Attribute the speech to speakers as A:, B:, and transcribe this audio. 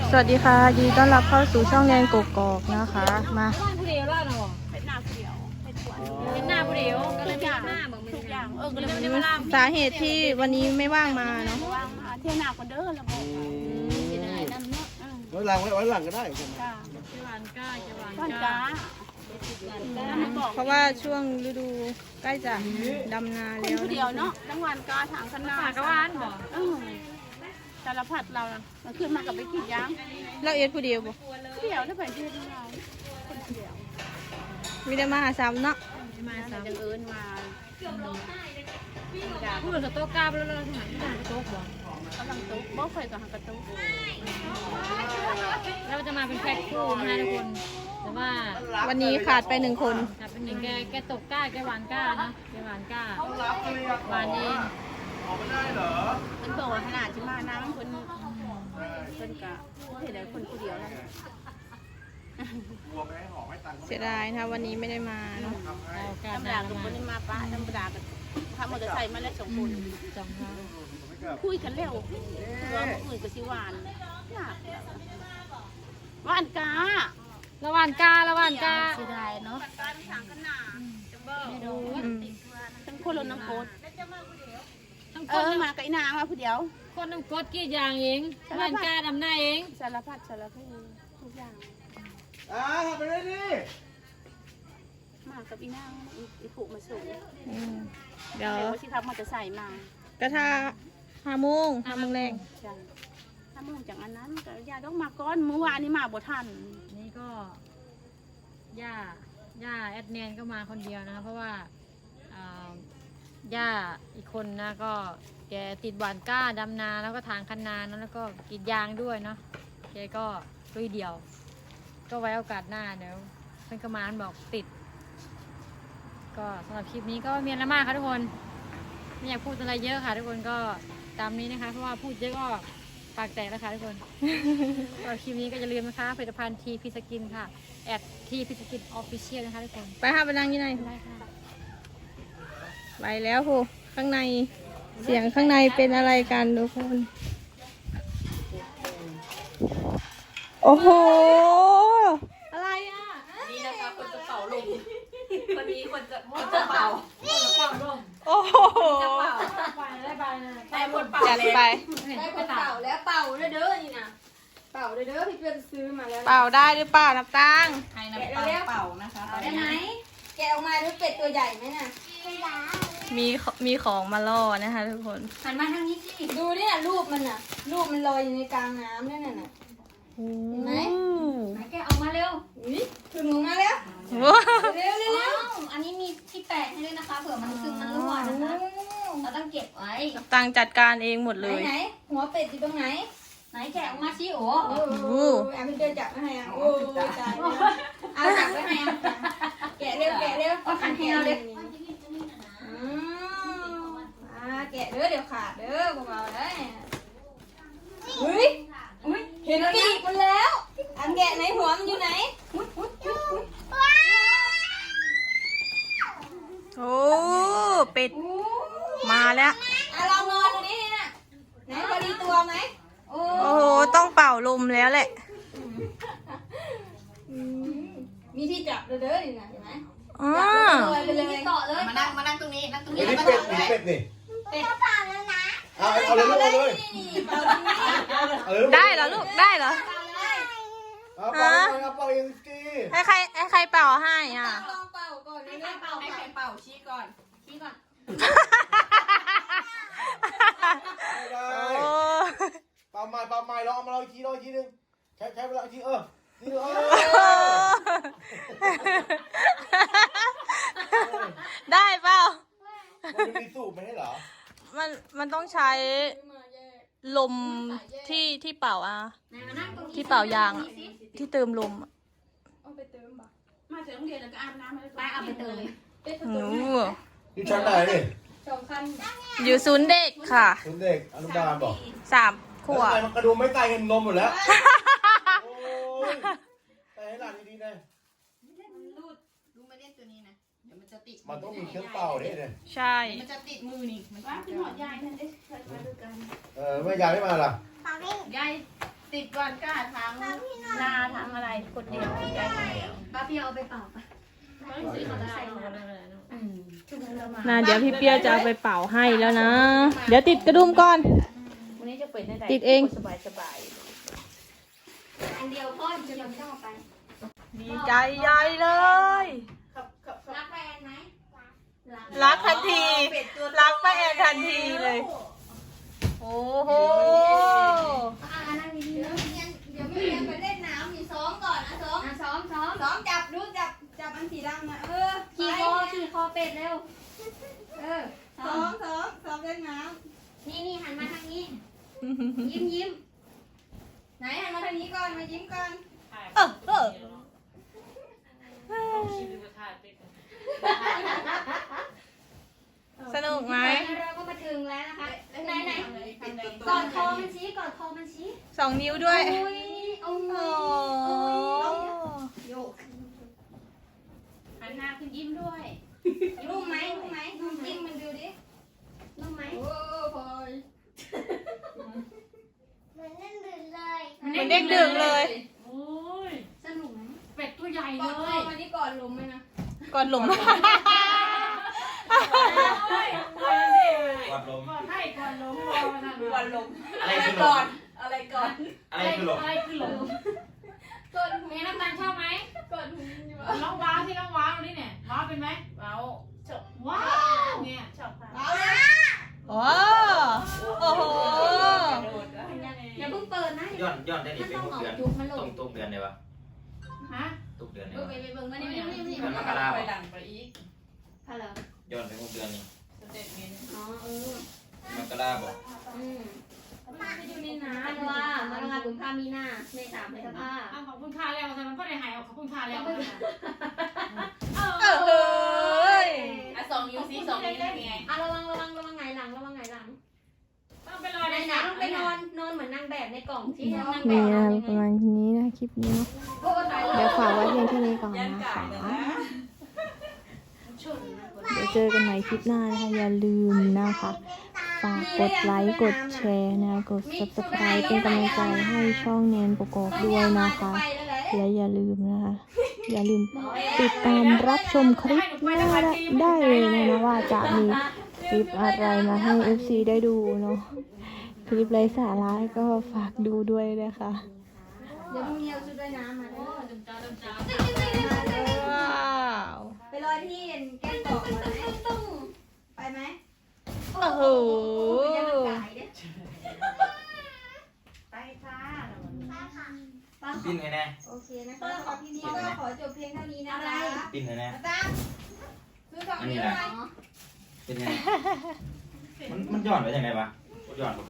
A: สวัสดีค่ะยินดีต้อนรับเข้าสู่ช่องแนนกกอกนะคะมา
B: ผู้เดียวล่ะเนาะเป็นหน้าผู้เดียวเป็นหน้าผู้เดียวก็เลยมีหน้าเหมือนทุกอย่างก็เลยไม่ได้มาล่า
A: สาเหตุที่วันนี้ไม่ว่างมาเนาะ
B: ว่างมาเที่ยวหน้าคนเด้อแล้วบอกสิได้นั่นเนาะ
C: ไว้หลังก็ได้ผม
B: จ้าเจวันก้าเจวันก้า
A: เพราะว่าช่วงฤดูใกล้จะดำนาแล้ว
B: ผู้เดียวเนาะทั้งวันก้าทางขนาดกวานบ่สารพัดเรามันขึ้นมากับไปกินย่าง
A: เราเอ็ดผู้เดียวบ่
B: ผู้เดียวได้ไปเที่ยวเราคนเดียว
A: ไม่ได้มาหาซ้ำเนาะ
B: มาซ้ำจังเอิญมาพูดกับโต๊ะกาบแล้วเราทำไมไม่ได้โต๊ะบ่กำลังโต๊ะบ่เคยกับหางกระโต๊ะเราจะมาเป็นแพ็คคู่นะทุกคนแต่ว่า
A: วันนี้ขาดไป1 คน
B: เป็นหนึ่งแกตกก้าแกหวานก้านะแกหวานก้าหวานเองมันบอกว่าขนาดจะมาน้ำคนกะเห็นได้คนผู้เดียวแล้ว
A: เสียดายนะวันนี้ไม่ได้มาเนาะ
B: ธรรมดากับคนนี้มาป้าธรรมดากับขับมอเตอร์ไซค์มาแล้ว2 คนคุยกันเร็วตัวอื่นก็สิหวานหวานกาละหวานกาเสียดายเนาะทั้งคนรถน้ำโคตรมากับอีนางมาผู้เดียวคนน้ำโคตรกี่อย่างเองหวานกาดำหน้าเองสารพัดทุกอย่าง
C: ทำไปได้ดิ
B: มากับอีนางอีผูกมาส่ง
A: เดี๋ยว
B: ที่ทำมอเตอร์ไซค์มาก
A: ระทะ5 โมงแรง
B: ใช่5 โมงจากอันนั้นก็ย่าต้องมาก้อนเมื่อวานนี้มาบ่ทันนี่ก็ย่าแอดแนนก็มาคนเดียวนะเพราะว่าย่าอีกคนนะก็แกติดหวานก้าดำนาแล้วก็ทางคันนาแล้วก็กรีดยางด้วยเนาะแกก็ลุยเดียวก็ไว้โอกาสหน้าเดี๋ยวเพื่อนกมานบอกติดก็สำหรับคลิปนี้ก็มีอะไรมากค่ะทุกคนไม่อยากพูดอะไรเยอะค่ะทุกคนก็ตามนี้นะคะเพราะว่าพูดเยอะก็ปากแตกแล้วค่ะทุกคนสำหรับคลิปนี้ก็อย่าลืมนะคะผลิตภัณฑ์ทีพีสกินค่ะแอดทีพีสกินออฟฟิเชียลนะคะทุกคน
A: ไปหาไปนั่งยังไง
B: ได้ค่ะ
A: ไปแล้วโหข้างในเสียงข้างในเป็นอะไรกันทุกคนโอ้โห
B: อะไรอ่ะ
D: นี่นะคะคนจะเป่าลมคนนี้คนจะเป่าลม
A: โอ้โห
D: จะเป่าแต่คนเป่า
A: จัดไป
D: ได้คนเป่าแล้วเป่าเด้อนี่นะเป่าเด้อพี่เพื่อนซื้อมาแล้ว
A: เป่าได้หรือเปล่าน้ำตัง
D: ให้น้ำตาลเป่านะคะได้ไหมแกะออกมาดูเป็ดตัวใหญ่ไหมน่ะ
A: มีของมาล่อนะคะทุกคน
D: หันมาทางนี้สิดูเนี่ยรูปมันน่ะรูปมันลอยอยู่ในกลางน้ำเนี่ยน่ะเห็นไหมแกะออกมาเร็วถึงออกมาแล้วเร็วอันนี้มีที่แปะให้ด้วยนะคะเผื่อมันซึมมันรั่วนะคะเราต้องเก็บไว้
A: ตังจัดการเองหมดเลย
D: ไหนหัวเป็ดอยู่ตรงไหนแกะออกมาสิโอ้
A: แอ
D: มเดินจับให้โอ้ตายเอาจับไว้ให้แกะเร็วเอาขันให้เราเลยแกะเด้อเดี๋ยวขาดเด้อเบาๆเลยเฮ้ยเห็นปีกมันแล้วอันแกะไหนหัวมันอยู่ไหน
A: โอ้เป็ดมาแล้ว
D: ลองนอนดูนี่นะไหนพอดีตัวไหม
A: โอ้โหต้องเป่าลมแล้วแหละ
D: มีที่จับเด้อนี่นะเห็นไหม
A: ไป
D: เลยเกาะเลย
C: มานั่งตรงนี้เป็ดนี่
D: เป็ดเป่าแล้วนะ
C: เอาเลย
A: ได้เหรอลูกได้เหรอ
C: เอาเป่าเองสิ
A: ให้ใครเป่าให้อ่ะ
D: ลองเป่าก่อนให้ใครเป่าชี้ก่อน
C: เป่าใหม่ลองมาลองอีกทีนึงใช้เวลาอีกทีนี่
A: ได้เปล่า
C: มันมีสูบไหมเหรอ
A: มันต้องใช้ลมที่เป่าที่เป่ายางที่เติมลม
D: เอาไปเติมบ่มาถึงโรงเรียนแล้วก็อาบน้ำไปเอาไปเติม
C: อยู่ชั้นไหนนี่
D: 2 คัน
A: อยู่ศูนย์เด็กค่ะ
C: ศูนย์เด็กอนุบาลบอก
A: 3 ขวบ
C: มันกระดูไม่ตายเห็นนมหมดแล้วโอ้ยแต่ให้หลานดีๆนะ
D: ลูกไม่เล่นตัวนี้นะเดี๋ยวมันจะติด
C: มันต้องมีเครื่องเป่าเนี่ย
A: ใช่
D: มันจะติดมือนี่มันว่าเป็นหอดใหญ่ท่านเอ๊ะเคยมาดูกัน
C: ไม่ยายไม่มาล่ะ
D: ใหญ่
E: ติดวันก้าทั้งนาทั้งอะไรคนเดียวใจเดียว
D: ป้าพี่เอาไปเป่าปะ
A: เดี๋ยวพี่เปียจะเอาไปเป่าให้แล้วนะ เดี๋ยวติดกระดุมก่อน
E: วันนี้จะเป็นได้
A: ติดเอง
E: สบายสบาย
D: อันเดียวพ่อจะยังไม่ต้องเอาไป
A: ดีใจใหญ่เลย
D: รักแฟนไหม
A: รักทันที รักป้าแอนทันทีเลย โอ้โห
D: นั่งดีๆนะ
F: เดี๋ยวไม่เรียนไปเล่นน้ำมีซ้อมก่อนนะซ้อม
D: ซ้อม
F: ซ้อมจับดูจับอันสีดำนะ
D: ขี่คอเป็ดเร็วซ้
F: ซ้อมเล่นน้
D: นี่หันมาทางนี้ ยิ้ม
F: ำไหนหันมาทางนี้ก่อนมายิ้มก่อน
A: สนุกไหม
D: เราก็มาถึงแล้วนะคะไหนกอดคอมันชี้
A: 2 นิ้วด้วย
D: โอ้ย
A: โอ้
F: โยก
E: หันหน้าขึ้นยิ้มด้วย
F: รู้ไหมน้ำจิ้มมันดูดิ
D: นุ่มไหม
F: โอ้พอย
A: เหมือนเด็กดึกเลย
E: โอ้ย
D: สนุกไหม
E: เป็ดตัวใหญ่
F: ก
E: เล
F: อดคอย มาที่ก่อนลมไหมนะ
A: ก่อนหลุม
C: วัดลม
E: ก่อนให้ก่อนลงก่อนลง
C: อะไรคือลม
F: อะไรก่อน
C: อะไรคือลม
E: อะไรคือลง
F: ก่อนหู
E: เมย์น้ำตาลชอบไหม
F: ก่อนหูอยู่
E: น้องว้าวที่น้องว้าวนี่เนี่ยว้าวเป็นไหมว้าวชอบว้าวเนี่ยชอบค่ะ
F: เอาละ
A: โอ้โห
D: อย่าเพิ่งเปิดนะ
C: ย้อนได้ดิ
D: ถ้า
C: เป็น
D: ต้อง
C: 6 เดือน
D: ออกจุกมันหล
C: ตรง งเดือนเลยวะ
E: ฮะ
C: ตุกเดือนเล
F: ดู
C: ยวะ
F: ไปเบิ่งมานี่
C: เดือนมกราคม
D: ฮัลโหล
C: ย้อนไป6 เดือนนี่
D: อ๋อ
C: มกราคมบอก
F: ไปอยู่ในน้
D: ธันวากุมภามีนาเมษาพฤษภา
E: อ้าวขอบคุณค่าแล้วแต่มันก็ได้หายขอบคุณค่าแล้ว
A: เฮ้ย
E: 2 นิ้วสิ2 นิ้วได้ไง
D: ระวังไงหลัง
E: ต้องไปรอ
D: ไหน
E: ใน
D: ต้องไปนอนเหมือนนางแบบในกล่องที่นางแบ
G: นี่
D: บ
G: นะประมาณนี้นะคลิปนี้เนาะ
D: โอ้ตาย
G: เดี๋ยวฝากไว้เพียงแค่นี้ก่อนนะคะเดี๋ยวเจอกันใหม่คลิปหน้านะคะอย่าลืมนะคะ ฝากกดไลค์กดแชร์นะกด subscribe เป็นกำลังใจให้ช่องแนนประกอบด้วยนะคะ และอย่าลืมนะคะอย่าลืมติดตามรับชมคลิปหน้าได้เลยนะว่าจะมีคลิปอะไรมาให้ FC ได้ดูเนาะคลิปไร้สาระก็ฝากดูด้วยนะคะ
F: เดี๋ยวพรุ่งนี้เอาชุดว่ายน้ำมาด้วย
A: ว้าว
F: ไปลอยที่แก้มตอกก่อนไหมไปไหม
A: โอ้โห
E: ไปค่ะ
C: ปิ้นให้แน่
F: โอเคนะคะขอที่นี้ก็ขอจบเพียงเท่านี้นะคะ
C: ปิ้นให้แน่
F: อาจารย์ซื้อของนี้หน่อย
C: เป็นไงมันย้อนไปยังไงวะย้อน